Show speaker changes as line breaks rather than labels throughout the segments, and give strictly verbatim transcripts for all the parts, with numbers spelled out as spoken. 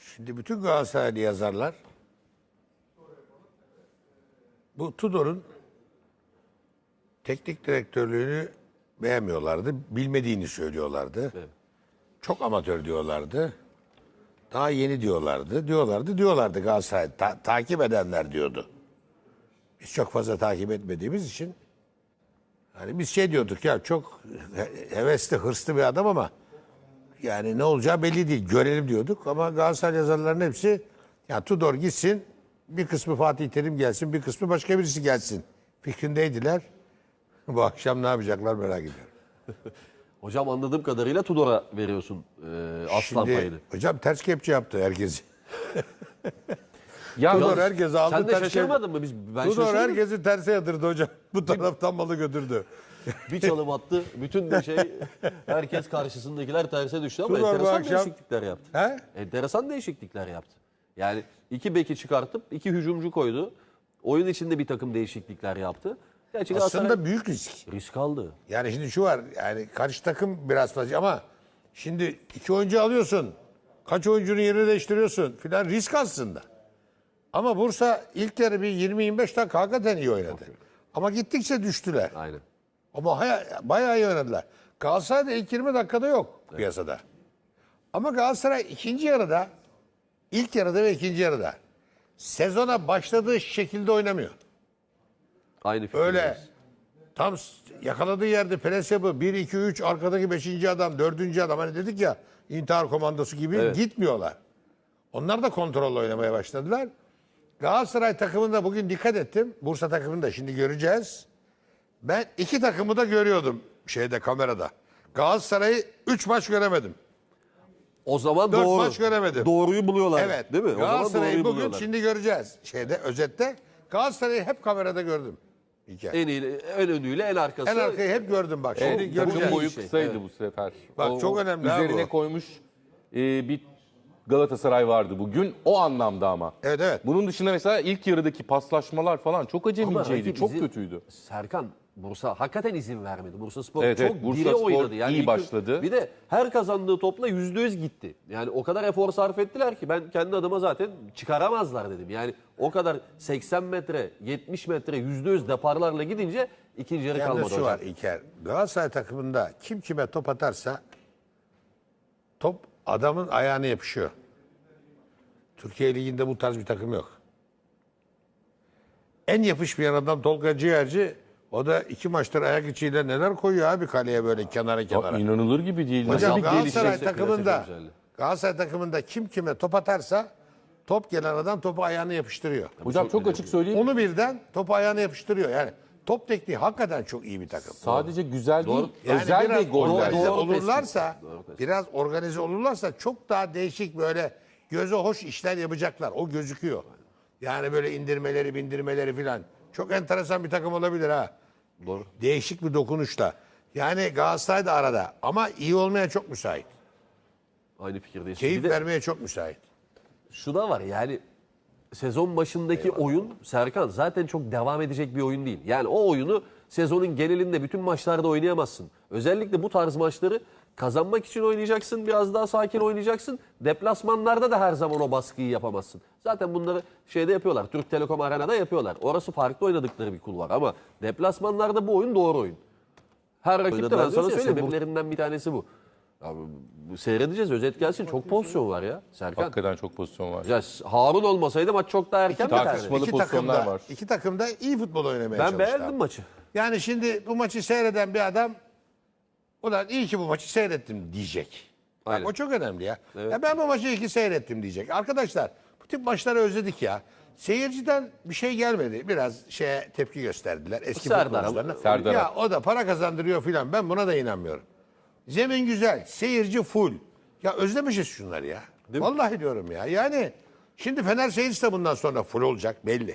Şimdi bütün Galatasaraylı yazarlar bu Tudor'un teknik direktörlüğünü beğenmiyorlardı. Bilmediğini söylüyorlardı.
Evet.
Çok amatör diyorlardı. Daha yeni diyorlardı. Diyorlardı, diyorlardı Galatasaray. Ta- takip edenler diyordu. Biz çok fazla takip etmediğimiz için hani biz şey diyorduk ya, çok he- hevesli, hırslı bir adam ama yani ne olacağı belli değil. Görelim diyorduk ama Galatasaray yazarlarının hepsi ya Tudor gitsin, bir kısmı Fatih Terim gelsin, bir kısmı başka birisi gelsin fikrindeydiler. Bu akşam ne yapacaklar merak ediyorum.
Hocam anladığım kadarıyla Tudor'a veriyorsun e, aslan
Şimdi
payını.
hocam ters kepçe yaptı herkesi.
Ya,
Tudor
Ya,
herkesi aldı.
Sen de
ters
şaşırmadın mı? Biz, ben
Tudor
şaşırdım.
herkesi terse yatırdı hocam. Bu taraftan malı götürdü.
Bir çalım attı. Bütün bir şey herkes karşısındakiler terse düştü ama
Tudor bu
enteresan
akşam-
değişiklikler yaptı.
He?
Enteresan değişiklikler yaptı. Yani iki beki çıkartıp iki hücumcu koydu. Oyun içinde bir takım değişiklikler yaptı. Gerçi Galatasaray
Aslında büyük risk.
risk aldı.
Yani şimdi şu var, yani karşı takım biraz fazla ama şimdi iki oyuncu alıyorsun. Kaç oyuncunun yerini değiştiriyorsun filan, risk aslında. Ama Bursa ilk yarı bir yirmi yirmi beş dakika hakikaten iyi oynadı. Ama gittikçe düştüler.
Aynen.
Ama haya- bayağı iyi oynadılar. Galatasaray'da ilk yirmi dakikada yok piyasada. Ama Galatasaray ikinci yarıda, ilk yarıda ve ikinci yarıda sezona başladığı şekilde oynamıyor.
Aynı fikirdeyiz.
Öyle tam s- yakaladığı yerde pres yapı bir iki üç arkadaki beşinci adam, dördüncü adam, hani dedik ya intihar komandosu gibi
Evet.
gitmiyorlar. Onlar da kontrolle oynamaya başladılar. Galatasaray takımında bugün dikkat ettim. Bursa takımında şimdi göreceğiz. Ben iki takımı da görüyordum şeyde, kamerada. Galatasaray'ı üç maç göremedim.
O zaman
Dört
doğru.
maç göremedim.
Doğruyu buluyorlar.
Evet.
Değil mi? O zaman
Galatasaray'ı
doğruyu
bugün
buluyorlar.
şimdi göreceğiz. Şeyde, özette Galatasaray'ı hep kamerada gördüm. Hikaye.
En iyi, en önüyle en arkası.
En arkayı hep gördüm bak. Şimdi
Evet,
göreceğiz.
takım boyu
şey.
kısaydı
Evet.
bu sefer.
Bak, çok önemli ha
Üzerine
bu.
koymuş e, bir Galatasaray vardı bugün. O anlamda ama.
Evet, evet.
Bunun dışında mesela ilk yarıdaki paslaşmalar falan çok
Ama
acemiceydi.
rakip
Çok
izin-
kötüydü.
Serkan, Bursa hakikaten izin vermedi. Bursa Spor
Evet,
çok
evet, Bursa
diri
Spor
oynadı.
iyi
ilk-
başladı.
Bir de her kazandığı topla yüzde yüz gitti. Yani o kadar efor sarf ettiler ki ben kendi adıma zaten çıkaramazlar dedim. Yani o kadar seksen metre, yetmiş metre yüzde yüz deparlarla gidince ikinci yarı
Yalnız
kalmadı
şu
hocam.
var İlker. Galatasaray takımında kim kime top atarsa top adamın ayağına yapışıyor. Türkiye Ligi'nde bu tarz bir takım yok. En yapışmayan adam Tolga Ciğerci. O da iki maçtır ayak içiyle neler koyuyor abi kaleye, böyle kenara
Ya,
kenara.
inanılır gibi değil.
Hocam
Nasıl
Galatasaray
gelişecekse
takımında
piyasa güzelliği.
Galatasaray takımında kim kime top atarsa top gelen adam topu ayağına yapıştırıyor.
Hocam çok açık söyleyeyim.
Onu birden topu ayağına yapıştırıyor. Yani top tekniği hakikaten çok iyi bir takım.
Sadece güzel
Doğru.
değil.
Yani
özel
biraz
de goller.
organize
Doğru
olurlarsa,
tespit. Doğru tespit.
biraz organize olurlarsa çok daha değişik, böyle göze hoş işler yapacaklar. O gözüküyor. Yani böyle indirmeleri, bindirmeleri filan. Çok enteresan bir takım olabilir ha.
Doğru.
Değişik bir dokunuşla. Yani Galatasaray da arada ama iyi olmaya çok müsait.
Aynı fikirdeyiz.
Keyif
Bir de
vermeye çok müsait.
şu da var yani sezon başındaki oyun Serkan zaten çok devam edecek bir oyun değil. Yani o oyunu sezonun genelinde bütün maçlarda oynayamazsın. Özellikle bu tarz maçları kazanmak için oynayacaksın. Biraz daha sakin oynayacaksın. Deplasmanlarda da her zaman o baskıyı yapamazsın. Zaten bunları şeyde yapıyorlar. Türk Telekom Arena'da yapıyorlar. Orası farklı oynadıkları bir kulvar ama deplasmanlarda bu oyun doğru oyun. Her rakip de ben sana söyleyeyim. Sebeplerinden bir tanesi bu. Abi, bu seyredeceğiz. Özet gelsin. Çok pozisyon var ya Serkan.
Hakikaten çok pozisyon var.
Ya Harun olmasaydı maç çok daha erken biterdi.
tartışmalı
İki
pozisyonlar
takımda,
var.
iki takımda iyi futbol oynamaya
Ben
çalıştılar.
beğendim maçı.
Yani şimdi bu maçı seyreden bir adam, ulan iyi ki bu maçı seyrettim diyecek. Bak,
Aynen.
o çok önemli ya.
Evet.
Ya ben bu maçı iyi ki seyrettim diyecek. Arkadaşlar bu tip maçları özledik ya. Seyirciden bir şey gelmedi. Biraz şeye tepki gösterdiler eski
Serdar
futbolcularına.
Serdar.
Ya o da para kazandırıyor filan. Ben buna da inanmıyorum. Zemin güzel, seyirci full. Ya özlemişiz şunları ya.
Değil mi?
Vallahi diyorum ya. Yani şimdi Fener seyircisi de bundan sonra full olacak belli.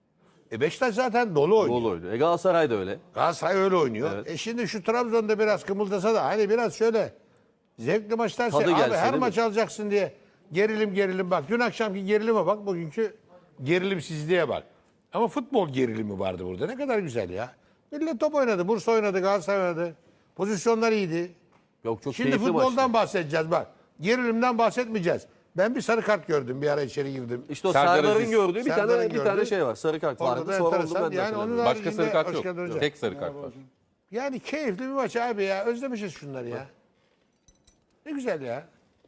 E Beşiktaş zaten dolu oynuyor.
Gol oyunu. E Galatasaray da öyle.
Galatasaray öyle oynuyor.
Evet.
E şimdi şu Trabzon'da biraz kımıldasa da hani biraz şöyle zevkli maçlar
Tadı
sey- abi
gelse
her
değil mi?
maç alacaksın diye gerilim gerilim bak. Dün akşamki gerilime bak, bugünkü gerilimsizliğe bak. Ama futbol gerilimi vardı burada. Ne kadar güzel ya. Millet top oynadı. Bursa oynadı, Galatasaray oynadı. Pozisyonlar iyiydi.
Yok çok
Şimdi
keyifli
futboldan
maçtı.
bahsedeceğiz bak. Gerilimden bahsetmeyeceğiz. Ben bir sarı kart gördüm. Bir ara içeri girdim.
İşte o
Serdar
Serdar'ın
Aziz-
gördüğü bir
Serdar'ın
tane bir tane
gördüğü.
şey var. Sarı kart
Orada
vardı.
da
Sonra
enteresan.
oldu ben de
Yani onun
hatırlamıyorum.
Başka sarı kart
Hoş
yok.
geldin hocam.
Tek sarı kart var.
Yani keyifli bir maç abi ya. Özlemişiz şunları ya. Ne güzel ya.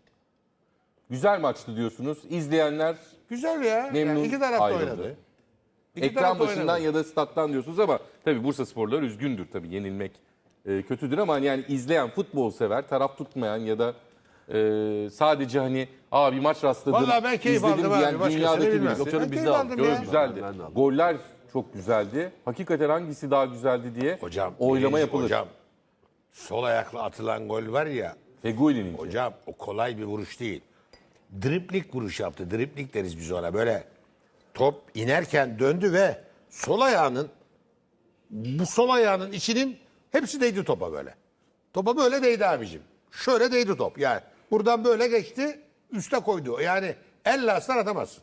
Güzel maçtı diyorsunuz. İzleyenler
Güzel ya.
Memnun
Yani iki tarafta
ayrıldı.
oynadı. İki
ekran
tarafta
başından
oynadı.
ya da stat'tan diyorsunuz ama tabii Bursa sporları üzgündür tabii yenilmek e, kötüdür ama yani izleyen futbol sever, taraf tutmayan ya da e, sadece hani aa bir maç rastladım,
Vallahi ben keyif
izledim
aldım abi,
diyen
başkasını
dünyadaki
bilmem.
birisi.
Yok canım, biz
Ben
de
keyif
aldık.
aldım
ya.
Çok güzeldi.
Ben de aldım.
Goller çok güzeldi. Hakikaten hangisi daha güzeldi diye
Hocam,
oylama
birinci-
yapılır.
Hocam sol ayakla atılan gol var ya.
Feguli'nin.
Hocam o kolay bir vuruş değil. Driplik vuruş yaptı. Driplik deriz biz ona. Böyle top inerken döndü ve sol ayağının bu sol ayağının içinin hepsi değdi topa böyle. Topa böyle değdi abicim. Şöyle değdi top. Yani buradan böyle geçti, üste koydu. Yani elle aslan atamazsın.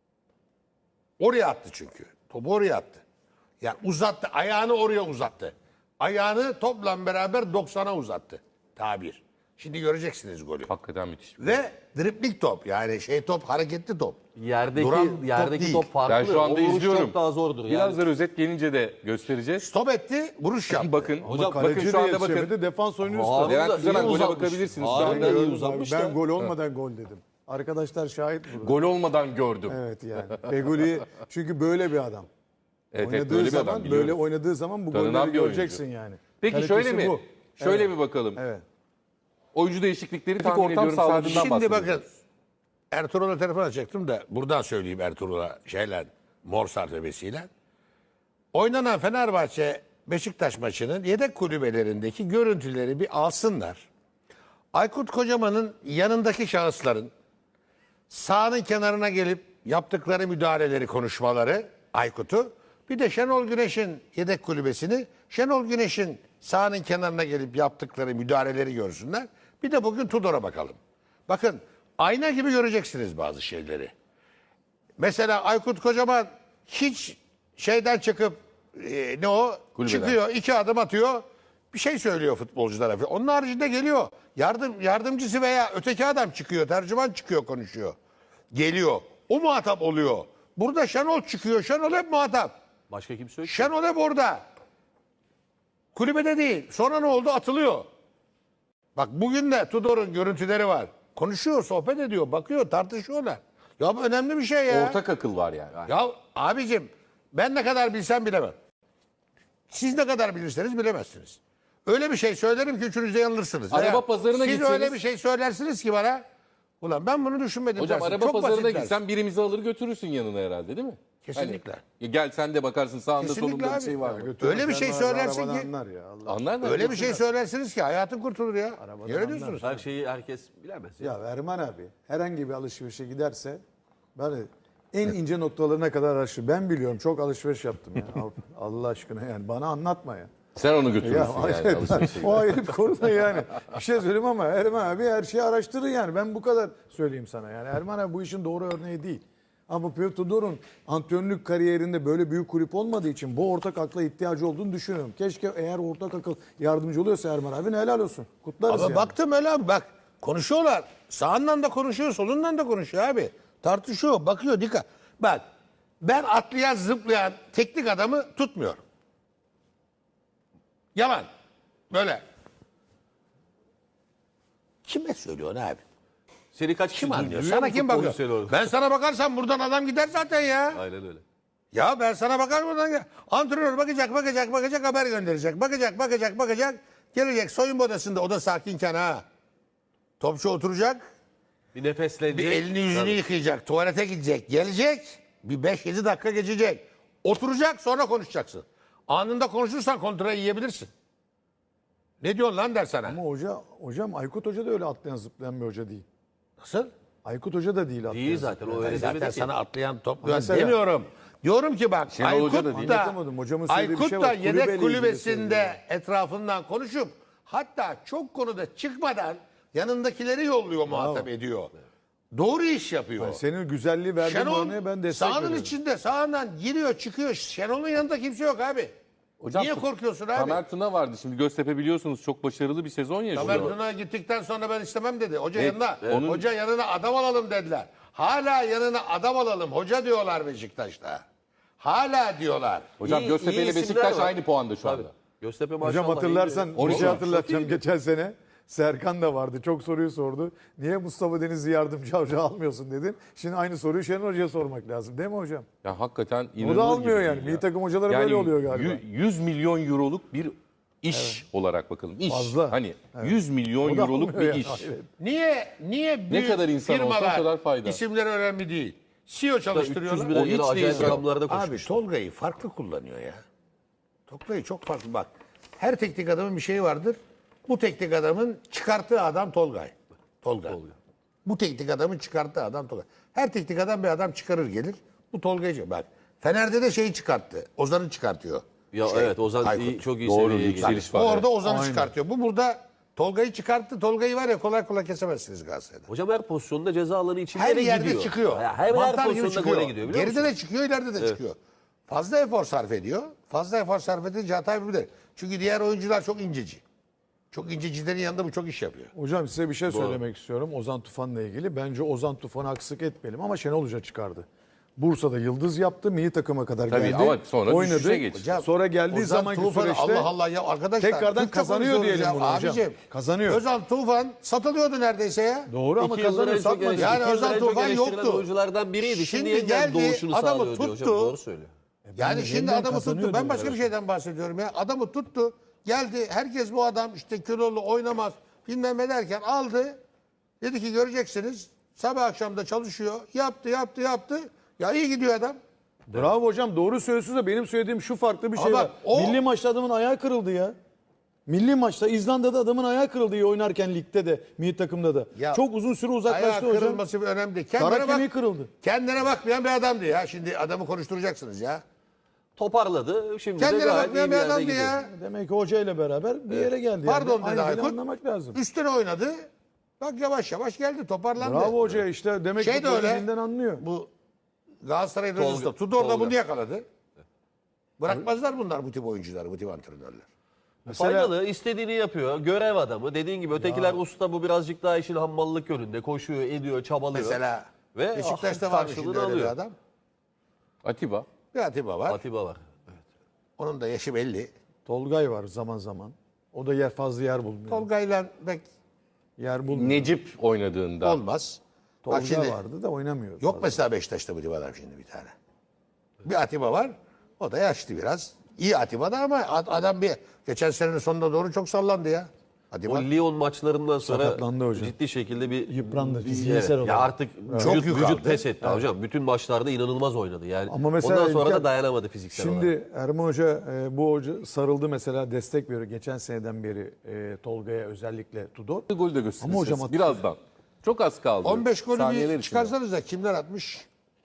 Oraya attı çünkü. Topu oraya attı. Yani uzattı. Ayağını oraya uzattı. Ayağını topla beraber doksana uzattı. Tabir. Şimdi göreceksiniz golü.
Hakikaten müthiş.
Ve driplik top. Yani şey top, hareketli top.
Yerdeki
Duran top
yerdeki
değil.
top, farklı.
Ben şu anda
O vuruş
izliyorum.
çok daha zordur. Yani.
Birazdan özet gelince de göstereceğiz.
Stop etti, vuruş yaptı.
Bakın,
Hocam
bakın
kaleci
şu anda
de
bakın.
yetişemedi, defans oyuncusu da.
Harun
Levent
da
Güzel
iyi
gole
uzatmış.
bakabilirsiniz. Şu
Harun
anda
da iyi
Gördüm abi,
uzatmış
ben
da.
gol olmadan gol dedim. Arkadaşlar şahit burada.
Gol olmadan gördüm.
Evet yani. Feguli çünkü böyle bir adam.
Evet, evet,
oynadığı
böyle bir
zaman
adam biliyoruz.
böyle oynadığı zaman bu
Tanınan
golleri
bir oyuncu.
göreceksin yani.
Peki
Kalitesi
şöyle mi?
bu.
Şöyle
Evet.
bir bakalım.
Evet.
Oyuncu değişiklikleri tahmin
ortam
ediyorum
sağladı.
sağladığından
Şimdi bakın
bahsediyoruz.
Ertuğrul'a telefon açacaktım da buradan söyleyeyim Ertuğrul'a şeyle mor sarfebesiyle. Oynanan Fenerbahçe Beşiktaş maçının yedek kulübelerindeki görüntüleri bir alsınlar. Aykut Kocaman'ın yanındaki şahısların sahanın kenarına gelip yaptıkları müdahaleleri, konuşmaları Aykut'u, bir de Şenol Güneş'in yedek kulübesini, Şenol Güneş'in sahanın kenarına gelip yaptıkları müdahaleleri görsünler. Bir de bugün Tudor'a bakalım. Bakın ayna gibi göreceksiniz bazı şeyleri. Mesela Aykut Kocaman hiç şeyden çıkıp e, ne o
Kulübeden.
çıkıyor, iki adım atıyor, bir şey söylüyor futbolculara. Onun haricinde geliyor yardım yardımcısı veya öteki adam çıkıyor, tercüman çıkıyor, konuşuyor. Geliyor. O muhatap oluyor. Burada Şenol çıkıyor. Şenol hep muhatap.
Başka kimse yok.
Şenol hep orada. Kulübede değil. Sonra ne oldu? Atılıyor. Bak bugün de Tudor'un görüntüleri var. Konuşuyor, sohbet ediyor, bakıyor, tartışıyorlar. Ya bu önemli bir şey ya.
Ortak akıl var yani.
Ya abicim ben ne kadar bilsem bilemem. Siz ne kadar bilirseniz bilemezsiniz. Öyle bir şey söylerim ki üçünüz de yanılırsınız.
Araba
Veya
pazarına
siz
gitseniz-
öyle bir şey söylersiniz ki bana. Ulan ben bunu düşünmedim
Hocam
dersin.
araba
Çok
pazarına
basit dersin.
gitsen birimizi alır götürürsün yanına herhalde değil mi?
Kesinlikle.
Hani, gel sen de bakarsın sağında
Kesinlikle
solunda bir
abi.
şey var mı?
Öyle bir şey
Arabadan
söylersin ki
anlar ya. Allah.
Anlar mı?
öyle bir şey söylersiniz ki hayatın kurtulur ya. Niye öyle diyorsunuz?
Her şeyi herkes bilemez. Ya.
Ya Erman abi herhangi bir alışverişe giderse böyle en ince noktalarına kadar araştır. Ben biliyorum, çok alışveriş yaptım ya. Allah aşkına yani bana anlatma ya.
Sen onu
Ya
götürürsün yani.
hayır,
alışverişe.
o ayrı bir konu da yani. Bir şey söyleyeyim ama Erman abi her şeyi araştırır yani. Ben bu kadar söyleyeyim sana yani. Erman abi bu işin doğru örneği değil. Ama Pep Tudor'un antrenörlük kariyerinde böyle büyük kulüp olmadığı için bu ortak akla ihtiyacı olduğunu düşünüyorum. Keşke eğer ortak akıl yardımcı oluyorsa Erman abi helal olsun. Kutlarız
Ama
yani.
baktım öyle abi bak konuşuyorlar. Sağından da konuşuyor, solundan da konuşuyor abi. Tartışıyor, bakıyor dikkat. Bak ben atlayan, zıplayan teknik adamı tutmuyorum. Yalan. Böyle. Kime söylüyorsun abi?
Seni kaç
Kim
kişi
anlıyor?
duyuyor
Sana
mu
kim
futbolcu
bakıyor?
seni orada?
Ben sana bakarsam buradan adam gider zaten ya.
Aynen öyle.
Ya ben sana bakar buradan gel. Antrenör bakacak, bakacak, bakacak, haber gönderecek. Bakacak, bakacak, bakacak. Gelecek soyunma odasında, o da sakinken ha. Topçu oturacak.
Bir nefeslenecek.
Bir elini yüzünü
Tabii.
yıkayacak, tuvalete gidecek, gelecek. Bir beş yedi dakika geçecek. Oturacak, sonra konuşacaksın. Anında konuşursan kontra yiyebilirsin. Ne diyorsun lan der sana.
Ama hoca, hocam Aykut Hoca da öyle atlayan zıplayan bir hoca değil.
Nasıl?
Aykut Hoca da değil atlayan
Değil zaten o öyle
Zaten
demedi ki.
sana atlayan topluyan
Mesela-
demiyorum. Diyorum ki bak
Şenol
Aykut
Hoca da değil.
da,
Anlatamadım. Hocamın söylediği bir
Aykut
şey
da
var.
yedek
Kulübeyle ilgili
kulübesinde
söylüyor.
etrafından konuşup hatta çok konuda çıkmadan yanındakileri yolluyor, muhatap ediyor. Doğru iş yapıyor.
Yani senin güzelliği verdiğin
Şenol
örneğe ben destek
sahanın
veriyorum.
içinde sahandan giriyor çıkıyor. Şenol'un yanında kimse yok abi.
Hocam,
Niye korkuyorsun abi?
Tamer Tuna vardı. Şimdi Göztepe biliyorsunuz çok başarılı bir sezon yaşıyor.
Tamer Tuna gittikten sonra ben istemem dedi. Hoca
Evet,
yanına,
evet. Onun-
hoca yanına adam alalım dediler. Hala yanına adam alalım hoca diyorlar Beşiktaş'ta. Hala diyorlar.
Hocam
İyi-
Göztepe
iyi
ile
isimler
Beşiktaş
var.
aynı puanda şu anda.
Tabii. Göztepe maşallah.
Hocam hatırlarsan
iyi.
bir şey
Hocam,
hatırlatacağım. Geçen sene Serkan da vardı. Çok soruyu sordu. Niye Mustafa Denizli yardımcı hoca almıyorsun dedin. Şimdi aynı soruyu Şenol Hoca'ya sormak lazım değil mi hocam?
Ya hakikaten
O
inanılır
da almıyor
gibi
yani.
değil
Milli
ya.
takım hocaları
Yani
böyle oluyor galiba.
yü- yüz milyon euroluk bir iş olarak bakalım. İş.
Fazla.
Hani yüz milyon
O da
euroluk
almıyor
bir
yani.
iş.
Hayret.
Niye niye büyük
kadar insan olsa o
firmalar
kadar fayda.
isimleri önemli değil. C E O
üç yüz
çalıştırıyorlar.
bin
O
lira
hiç
acayip
değişmiyor.
rakamlarda
Abi
koşmuş.
Tolga'yı farklı kullanıyor ya. Tolga'yı çok farklı bak. Her teknik adamın bir şeyi vardır. Bu teknik adamın çıkarttığı adam Tolgay. Tolga. Bu teknik adamın çıkarttığı adam Tolga. Her teknik adam bir adam çıkarır gelir. Bu Tolga'yı bak. Fener'de de şeyi çıkarttı. Ozan'ı çıkartıyor.
Ya
Şey,
evet Ozan
Aykut.
iyi, çok iyi
Doğru,
seviyeye
yükseliş
gidiyor.
var.
O orada Ozan'ı
Aynen.
çıkartıyor. Bu burada Tolga'yı çıkarttı. Tolga'yı var ya kolay kolay kesemezsiniz Galatasaray'da.
Hocam her pozisyonda ceza alanı içinde
Her
de
yerde
gidiyor.
çıkıyor.
Ya her, her
Mantar gibi
pozisyonda
çıkıyor.
gole gidiyor biliyor
Geride
musun?
de çıkıyor, ileride de çıkıyor. Fazla efor sarf ediyor. Fazla efor sarf edince hata yapabilir. Çünkü diğer oyuncular çok inceci. Çok incecilerin yanında bu çok iş yapıyor.
Hocam size bir şey söylemek istiyorum Ozan Tufan'la ilgili. Bence Ozan Tufan'ı haksızlık etmeyelim ama Şenol Hoca çıkardı. Bursa'da yıldız yaptı, milli takıma kadar
Tabii
geldi.
ama sonra
oynadı.
düşüşe geçti.
Hocam,
Sonra geldiği
Ozan
zamanki
Tufan'ı
süreçte
Allah Allah ya arkadaşlar.
tekrardan
Türkçe
kazanıyor
konuşuyoruz
diyelim
ya.
bunu hocam.
Abicim,
Kazanıyor.
Özal Tufan satılıyordu neredeyse ya.
Doğru ama
İki yıldır
kazanıyor
en çok
satmadı.
eleştiri-
Yani
iki yıldır
Özal
en çok
Tufan
eleştirilen
yoktu.
oyunculardan biriydi. Şimdi,
Şimdi
yeniden
geldi,
doğuşunu
adamı
sağlıyor diyor hocam.
tuttu.
Doğru söylüyor.
Yani şimdi
yeniden
adamı tuttu.
kazanıyordu.
Ben başka bir şeyden bahsediyorum ya. Adamı tuttu. Geldi. Herkes bu adam işte kilolu oynamaz. Bilmem ne derken aldı. Dedi ki göreceksiniz. Sabah akşam da çalışıyor. Yaptı yaptı yaptı. Ya iyi gidiyor adam.
Bravo hocam doğru söylüyorsunuz da benim söylediğim şu farklı bir şey
Ama
var.
o-
Milli maçta adamın ayağı kırıldı ya. Milli maçta İzlanda'da adamın ayağı kırıldı iyi oynarken ligde de milli takımda da.
Ya,
Çok uzun süre
Ayağı
uzaklaştı hocam.
kırılması bir önemli değil.
Kara
Kendine,
kemiği
bak,
kırıldı.
kendine bakmayan bir adamdı ya. Şimdi adamı konuşturacaksınız ya.
Toparladı. Şimdi de
Kendine
gayet iyi
bakmayan
bir
bir
yerde
adamdı
gidiyor.
ya.
Demek ki hoca ile beraber bir yere geldi.
Pardon
yani.
dedi
Aynı şeyi
Aykut.
anlamak lazım.
Üstüne oynadı. Bak yavaş yavaş geldi toparlandı.
Bravo hoca işte demek
Şey
ki
de öyle.
futbolculiğinden anlıyor.
Bu Galatasaray
Tolga-
Rızı'da Tudor da
Tolga.
bunu yakaladı. Bırakmazlar bunlar bu tip oyuncuları, bu tip antrenörler.
Mesela
Faydalı, istediğini yapıyor. Görev adamı. Dediğin gibi ötekiler usta, bu birazcık daha işin hammallık yönünde. Koşuyor, ediyor, çabalıyor.
Mesela
Ve
Beşiktaş'ta
ah,
var şimdi
karşılığını
öyle bir
alıyor.
adam.
Atiba.
Bir Atiba var.
Atiba var.
Onun da yaşı belli.
Tolgay var zaman zaman. O da yer fazla yer bulmuyor.
Tolga'yla pek
yer bulmuyor.
Necip oynadığında.
olmaz.
Tolga
Bak şimdi
vardı da oynamıyor.
yok
fazla.
mesela Beşiktaş'ta bu tip adam şimdi bir tane. Bir Atiba var. O da yaşlı biraz. İyi Atiba da ama ad- adam bir geçen senenin sonuna doğru çok sallandı ya. Atiba.
O Lyon maçlarından sonra
Sakatlandı hocam.
ciddi şekilde bir
Yıprandı,
bir-
fiziksel
evet.
olarak.
Ya artık
Çok
vücut,
yük
vücut
aldı.
pes etti hocam. Bütün maçlarda inanılmaz oynadı yani.
Ama mesela
Ondan sonra
İlker-
da dayanamadı fiziksel olarak.
Şimdi Erman Hoca e, bu hoca sarıldı mesela destek veriyor. Geçen seneden beri e, Tolga'ya özellikle Tudor.
Golü de göstereceğiz.
Ama hocam hatırlıyor.
birazdan. Çok az kaldı.
on beş golü
Saniyeler
bir
içinde.
çıkarsanız da kimler atmış?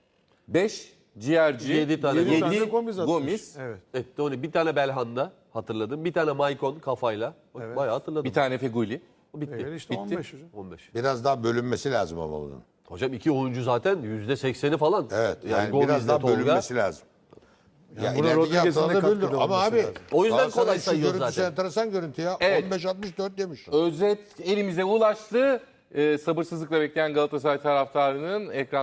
beş ciğerci,
Yedi tane
yedi
tane Gomis atmış.
Gomis,
Evet.
Evet, Tony, bir tane Belhanda hatırladım. Bir tane Maicon kafayla. Bak, Bayağı hatırladım.
bir tane Feguli.
O bitti.
Evet, işte on beş hocam.
on beş.
Biraz daha bölünmesi lazım ama bunun.
Hocam iki oyuncu zaten yüzde sekseni falan.
Evet yani,
Gomis'le
biraz daha
Tolga.
bölünmesi lazım. Ya
buna
ilerideki
Rodriguez'in de
haftalarda
katkıda
böldür. Ama
olması
abi
lazım.
O yüzden
Galatasaray
kolay
şu
sayıyor
görüntüsü
zaten.
enteresan görüntü ya.
Evet.
on beş altmış dört demiş.
Özet elimize ulaştı. Ee, sabırsızlıkla bekleyen Galatasaray taraftarının ekran